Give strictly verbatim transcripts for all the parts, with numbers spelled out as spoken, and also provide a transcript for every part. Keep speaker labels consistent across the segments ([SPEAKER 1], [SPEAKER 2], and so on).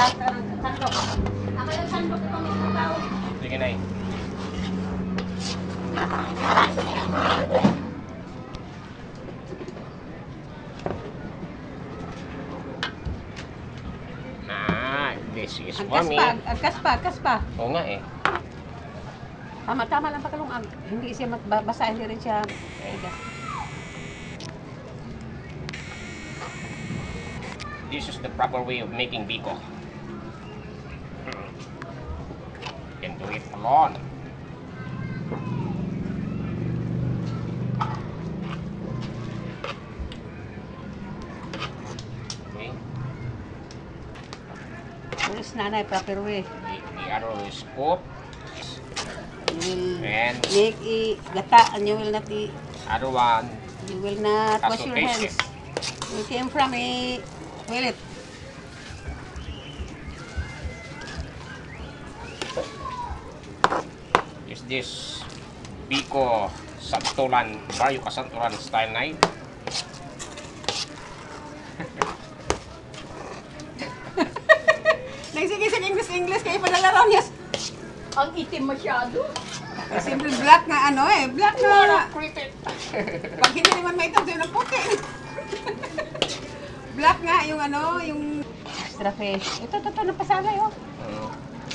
[SPEAKER 1] sandok. Ako yung sandok itong ikaw.
[SPEAKER 2] Sige na eh. Ah, this is for me.
[SPEAKER 1] Agkas pa, agkas pa.
[SPEAKER 2] Oo nga eh.
[SPEAKER 1] Tama, tama lang pakalungag. Hindi siya basa, hindi rin siya.
[SPEAKER 2] This is the proper way of making biko. You can do it alone. Okay.
[SPEAKER 1] This is nanay, proper way.
[SPEAKER 2] The, the other is scoop.
[SPEAKER 1] You will
[SPEAKER 2] And
[SPEAKER 1] make a gata and you will not eat.
[SPEAKER 2] other one.
[SPEAKER 1] You will not wash your
[SPEAKER 2] Taste
[SPEAKER 1] hands. You came from a toilet.
[SPEAKER 2] Is this biko santulan, Barrio Kasantulan style knife?
[SPEAKER 1] Nagsigisig English-English kayo padalaro niya.
[SPEAKER 3] Ang itim masyado.
[SPEAKER 1] Simple black na ano eh. Black na. Pag hindi naman may itam, sa'yo ng puti. Black nga yung ano, yung extra fish. Ito, ito, ito, napasalay oh.
[SPEAKER 2] Uh,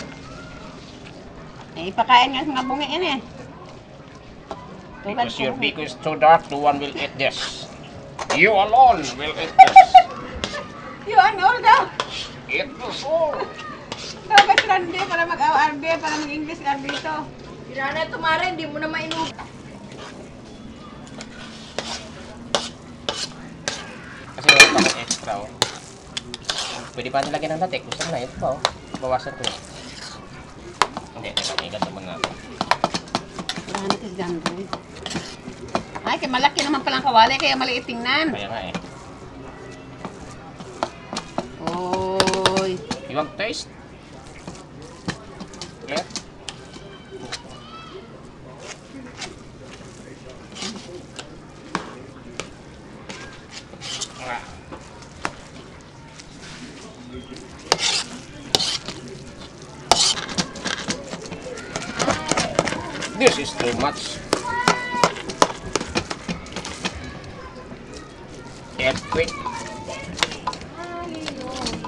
[SPEAKER 1] Eh, ipakain nga sa mga bungi yan eh.
[SPEAKER 2] because your biko is too dark, no one will eat this. You alone will eat this.
[SPEAKER 1] Yung ano daw.
[SPEAKER 2] Eat this all.
[SPEAKER 1] Dapat rande para mag-R B, para mag-English R B ito.
[SPEAKER 3] Tira na ito, Mare, hindi mo na mainub.
[SPEAKER 2] Kasi wala pa akong extra oh. Pwede pa nilagyan ng latek. Gusto na, ito pa oh. Bawasan ko na. Hindi, may ganito muna ako.
[SPEAKER 1] Wala na ito si Gandre. Ay, kaya malaki naman palang kawali, kaya maliit tingnan.
[SPEAKER 2] Kaya nga eh.
[SPEAKER 1] Oy.
[SPEAKER 2] You want taste? Clear? Ah. This is too much. Earthquake.